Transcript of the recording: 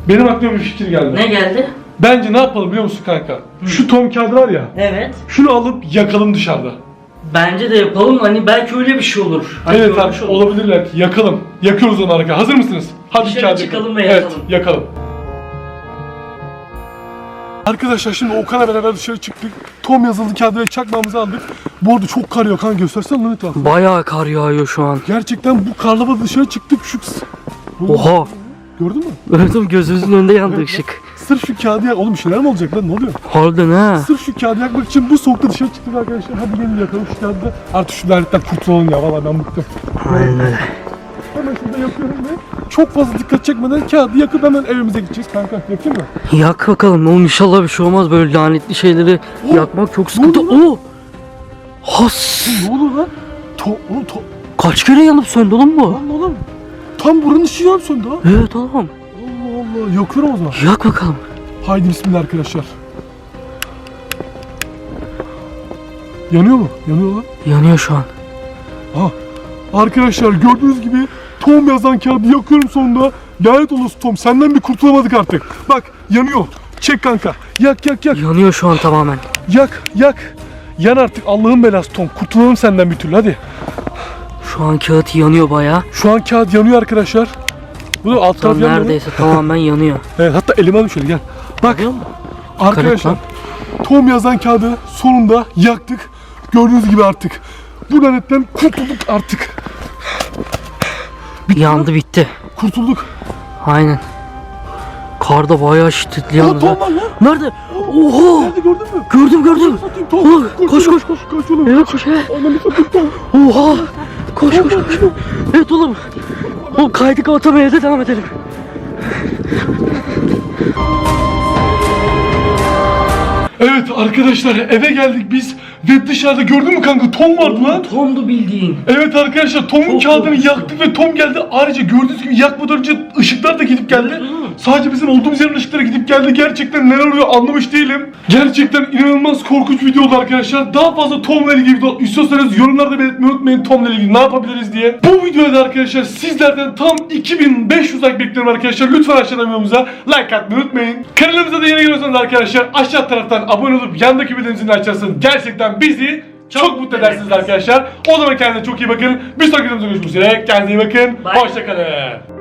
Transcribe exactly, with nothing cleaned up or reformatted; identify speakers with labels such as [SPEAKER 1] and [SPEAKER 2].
[SPEAKER 1] Benim aklıma bir fikir geldi.
[SPEAKER 2] Ne geldi?
[SPEAKER 1] Bence ne yapalım biliyor musun kanka? Şu Tom kağıdı var ya.
[SPEAKER 2] Evet.
[SPEAKER 1] Şunu alıp yakalım dışarıda.
[SPEAKER 2] Bence de yapalım. Hani belki öyle bir şey olur. Hani
[SPEAKER 1] Evet
[SPEAKER 2] görmüş
[SPEAKER 1] abi
[SPEAKER 2] olur.
[SPEAKER 1] olabilirler ki. Yakalım. Yakıyoruz onu arka. Hazır mısınız? Hadi
[SPEAKER 2] Dışarı
[SPEAKER 1] kağıdı
[SPEAKER 2] çıkalım
[SPEAKER 1] yakalım.
[SPEAKER 2] ve
[SPEAKER 1] Evet
[SPEAKER 2] yakalım.
[SPEAKER 1] yakalım. Arkadaşlar şimdi Okan'la beraber dışarı çıktık. Tom yazılı kağıdı ve çakmağımızı aldık. Bu arada çok kar yağıyor kanka, göstersene lan etrafı.
[SPEAKER 2] Bayağı kar yağıyor şu an.
[SPEAKER 1] Gerçekten bu karla da dışarı çıktık şu...
[SPEAKER 2] Oha.
[SPEAKER 1] Gördün mü?
[SPEAKER 2] Evet oğlum, gözümüzün önünde yandı ışık.
[SPEAKER 1] Sırf şu kağıdı yak... Oğlum bir şeyler mi olacak lan, ne oluyor?
[SPEAKER 2] Harbiden ha.
[SPEAKER 1] Sırf şu kağıdı yakmak için bu soğukta dışarı çıktık arkadaşlar. Hadi gelin yakalım şu kağıdı da. Artık şu lanetten kurtulalım ya, valla ben bıktım.
[SPEAKER 2] Aynen öyle.
[SPEAKER 1] Hemen şurada yakıyorum ve çok fazla dikkat çekmeden kağıdı yakıp hemen evimize gideceğiz kanka. Yakayım mı?
[SPEAKER 2] Yak bakalım oğlum, inşallah bir şey olmaz, böyle lanetli şeyleri
[SPEAKER 1] Oh,
[SPEAKER 2] yakmak çok sıkıntı.
[SPEAKER 1] ne oldu
[SPEAKER 2] Oo. Has.
[SPEAKER 1] Ne olur lan? To, oğlum to,
[SPEAKER 2] Kaç kere yanıp söndü oğlum bu?
[SPEAKER 1] lan oğlum. Tam buranın ışığı yan söndü ha.
[SPEAKER 2] Evet oğlum.
[SPEAKER 1] Allah Allah, yakıyorum o zaman.
[SPEAKER 2] Yak bakalım.
[SPEAKER 1] Haydi bismillah arkadaşlar. Yanıyor mu? Yanıyor lan.
[SPEAKER 2] Yanıyor şu an.
[SPEAKER 1] Ha. Arkadaşlar gördüğünüz gibi Tom yazan kağıdı yakıyorum sonunda. Lanet olası Tom, senden bir kurtulamadık artık. Bak yanıyor. Çek kanka. Yak yak yak.
[SPEAKER 2] Yanıyor şu an tamamen.
[SPEAKER 1] Yak yak. Yan artık Allah'ın belası Tom. Kurtulalım senden bir türlü hadi.
[SPEAKER 2] Şu an kağıt yanıyor bayağı.
[SPEAKER 1] Şu an kağıt yanıyor arkadaşlar. Bu da alt taraf
[SPEAKER 2] Tam
[SPEAKER 1] yanıyor.
[SPEAKER 2] neredeyse tamamen yanıyor.
[SPEAKER 1] Evet, hatta elime alayım şöyle gel. Bak
[SPEAKER 2] Görüyor musun?
[SPEAKER 1] arkadaşlar
[SPEAKER 2] lan.
[SPEAKER 1] Tom yazan kağıdı sonunda yaktık. Gördüğünüz gibi artık bu lanetten kurtulduk artık.
[SPEAKER 2] Yandı bitti.
[SPEAKER 1] Kurtulduk.
[SPEAKER 2] Aynen. Kar da bayağı şiddetli
[SPEAKER 1] Aa,
[SPEAKER 2] yalnız.
[SPEAKER 1] Tom
[SPEAKER 2] ha.
[SPEAKER 1] var lan.
[SPEAKER 2] Nerede? Oha!
[SPEAKER 1] Nerede gördün mü?
[SPEAKER 2] Gördüm gördüm.
[SPEAKER 1] Satayım Tom.
[SPEAKER 2] Oğlum, koş,
[SPEAKER 1] oğlum,
[SPEAKER 2] koş, koş.
[SPEAKER 1] Kaç oğlum.
[SPEAKER 2] Evet koş he.
[SPEAKER 1] Ananı satayım Tom.
[SPEAKER 2] Oha! Koş koş koş. Evet oğlum. Oğlum kaydık, otomaya evde devam edelim.
[SPEAKER 1] Evet arkadaşlar eve geldik biz ve dışarıda gördün mü kanka Tom vardı lan.
[SPEAKER 2] Tom'du bildiğin.
[SPEAKER 1] Evet arkadaşlar Tom'un
[SPEAKER 2] Çok
[SPEAKER 1] kağıdını
[SPEAKER 2] korkunçtu.
[SPEAKER 1] yaktık ve Tom geldi. Ayrıca gördüğünüz gibi yakmadan önce ışıklar da gidip geldi.
[SPEAKER 2] Evet, oğlum.
[SPEAKER 1] Sadece bizim olduğumuz yerin ışıkları gidip geldi. Gerçekten neler oluyor anlamış değilim. Gerçekten inanılmaz korkunç video oldu arkadaşlar. Daha fazla Tom'la ilgili video istiyorsanız yorumlarda belirtmeyi unutmayın, Tom'la ilgili ne yapabiliriz diye. Bu videoda arkadaşlar sizlerden tam iki bin beş yüz like bekliyorum arkadaşlar. Lütfen aşağıdan videomuza like atmayı unutmayın. Kanalımıza da yeni geliyorsanız arkadaşlar aşağı taraftan abone olup yandaki bildirim zilini açarsanız gerçekten bizi çok,
[SPEAKER 2] Çok
[SPEAKER 1] mutlu edersiniz
[SPEAKER 2] edersiniz.
[SPEAKER 1] arkadaşlar. O zaman kendinize çok iyi bakın. Bir sonraki videomuzda görüşmek üzere. Kendinize iyi bakın.
[SPEAKER 2] Bye.
[SPEAKER 1] Hoşçakalın.